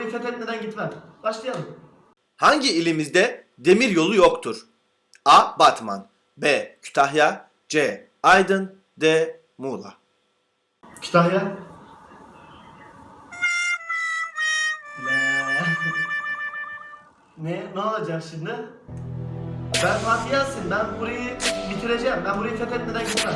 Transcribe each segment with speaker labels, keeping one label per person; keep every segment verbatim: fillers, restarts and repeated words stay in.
Speaker 1: burayı fethetmeden gitmem. Başlayalım.
Speaker 2: Hangi ilimizde demir yolu yoktur? A. Batman, B. Kütahya, C. Aydın, D. Muğla.
Speaker 1: Kütahya. Ne? Ne olacak şimdi? Ben Fatih Yasin. Ben burayı bitireceğim. Ben burayı fethetmeden gitmem.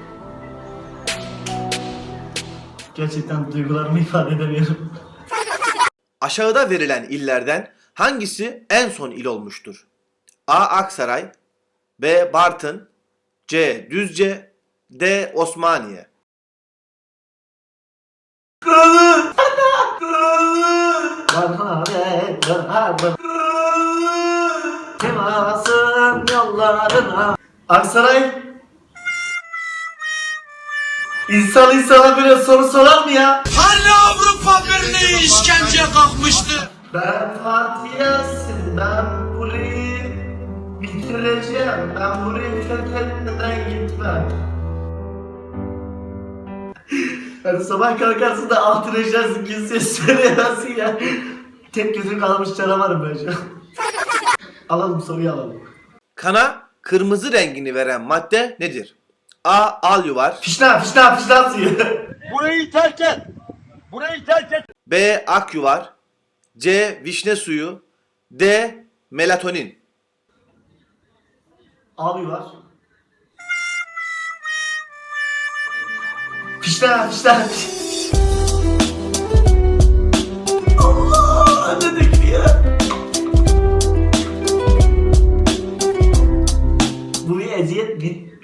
Speaker 1: Gerçekten duygularımı ifade edemiyorum.
Speaker 2: Aşağıda verilen illerden hangisi en son il olmuştur? A. Aksaray, B. Bartın, C. Düzce, D. Osmaniye.
Speaker 1: Temasın yollarına. Aksaray. İnsan insana böyle soru sorar mı ya?
Speaker 3: Hani Avrupa Birliği işkenceye kalkmıştı?
Speaker 1: Ben Fatih Yasin, ben burayı bitireceğim. Ben burayı fethetmeden gitmem. Hani sabah kalkarsın da altın eşyarsın, kimseye söyleyemezsin ya. Tek gözün kalmış canavarım ben şu an. Alalım soruyu alalım.
Speaker 2: Kana kırmızı rengini veren madde nedir? A. Alyuvar,
Speaker 1: Fişna, fişna, fişna suyu.
Speaker 3: Burayı terk et! Burayı terk et!
Speaker 2: B. Akyuvar, C. Vişne suyu, D. Melatonin.
Speaker 1: Abi var. Fişna, fişna. Allah, ne dedik ya? Bu bir eziyet bir.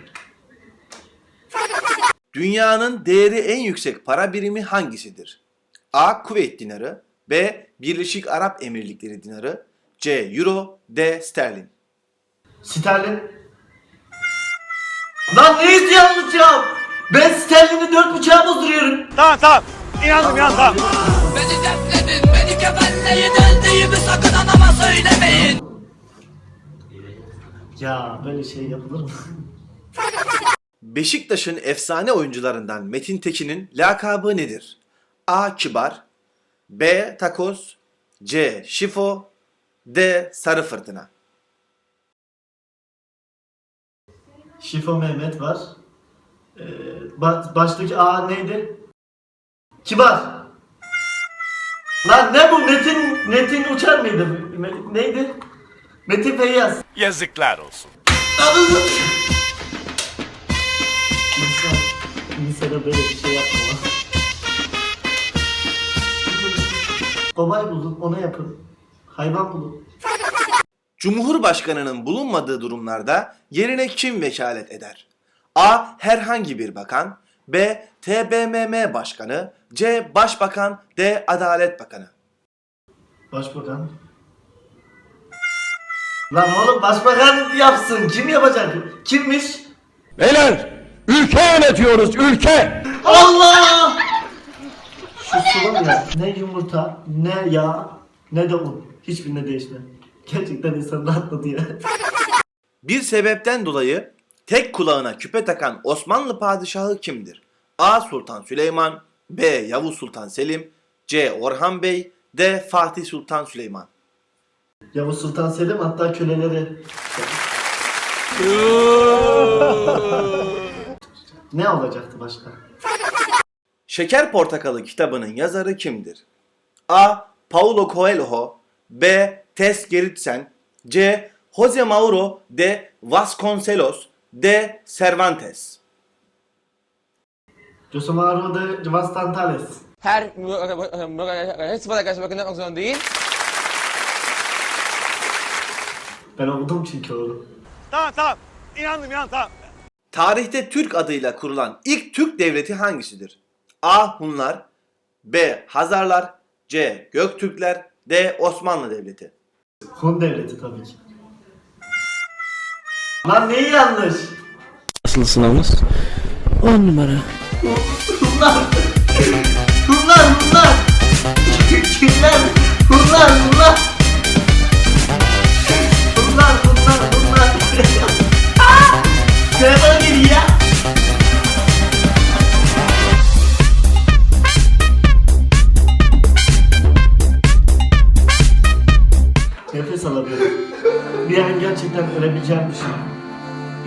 Speaker 2: Dünyanın değeri en yüksek para birimi hangisidir? A. Kuveyt dinarı, B. Birleşik Arap Emirlikleri dinarı, C. Euro, D. Sterlin.
Speaker 1: Sterlin. Lan neyiz yanlış ya? Ben sterlini dört buçuğa bozduruyorum.
Speaker 3: Tamam tamam. İnandım inandım tamam.
Speaker 4: Beni dertledin, beni kefenleyin, öldüğümü sakın anama söylemeyin.
Speaker 1: Ya böyle şey yapılır mı?
Speaker 2: Beşiktaş'ın efsane oyuncularından Metin Tekin'in lakabı nedir? A. Kibar, B. Takoz, C. Şifo, D. Sarı Fırtına.
Speaker 1: Şifo Mehmet var. Ee, ba- baştaki A neydi? Kibar. Lan ne bu? Metin Metin Uçar mıydı? Me- neydi? Metin Feyyaz.
Speaker 3: Yazıklar olsun.
Speaker 1: İnsan, insana böyle bir şey yapma. Kobay bulun, ona yapın. Hayvan bulun.
Speaker 2: Cumhurbaşkanının bulunmadığı durumlarda yerine kim vekalet eder? A. Herhangi bir bakan, B. T B M M Başkanı, C. Başbakan, D. Adalet Bakanı.
Speaker 1: Başbakan. Lan oğlum başbakan yapsın. Kim yapacak? Kimmiş?
Speaker 5: Beyler, ülke yönetiyoruz, ülke!
Speaker 1: Allah! Şu sıvı ya. Ne yumurta, ne yağ, ne de un. Hiçbirine değişme. Gerçekten insanı rahatladı ya.
Speaker 2: Bir sebepten dolayı tek kulağına küpe takan Osmanlı padişahı kimdir? A. Sultan Süleyman, B. Yavuz Sultan Selim, C. Orhan Bey, D. Fatih Sultan Süleyman.
Speaker 1: Yavuz Sultan Selim hatta köleleri... Ne olacaktı başka?
Speaker 2: Şeker Portakalı kitabının yazarı kimdir? A. Paulo Coelho, B. Tess Gerritsen, C. Jose Mauro de Vasconcelos, D. Cervantes.
Speaker 1: Jose Mauro de Vastantales.
Speaker 6: Her sıfata karşı bakın yapmak zorunda değil.
Speaker 1: Ben okudum çünkü oğlum.
Speaker 3: Tamam tamam. İnandım inandım tamam.
Speaker 2: Tarihte Türk adıyla kurulan ilk Türk devleti hangisidir? A. Hunlar, B. Hazarlar, C. Göktürkler, D. Osmanlı Devleti.
Speaker 1: Hun devleti tabii ki. Lan neyi yanlış?
Speaker 7: Nasıl sınavınız? on numara.
Speaker 1: Hunlar! Hunlar! Hunlar! Kimler? Hunlar! Hunlar! Hunlar! Hunlar! Hunlar! Aaa! Telefona geliyor ya!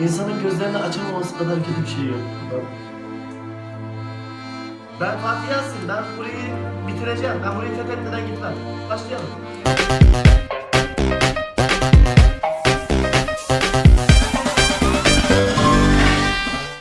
Speaker 1: İnsanın gözlerini açamaması kadar kötü bir şey yok. Ben Fatih Yasin, ben burayı bitireceğim. Ben burayı fethetmeden gitmem. Başlayalım.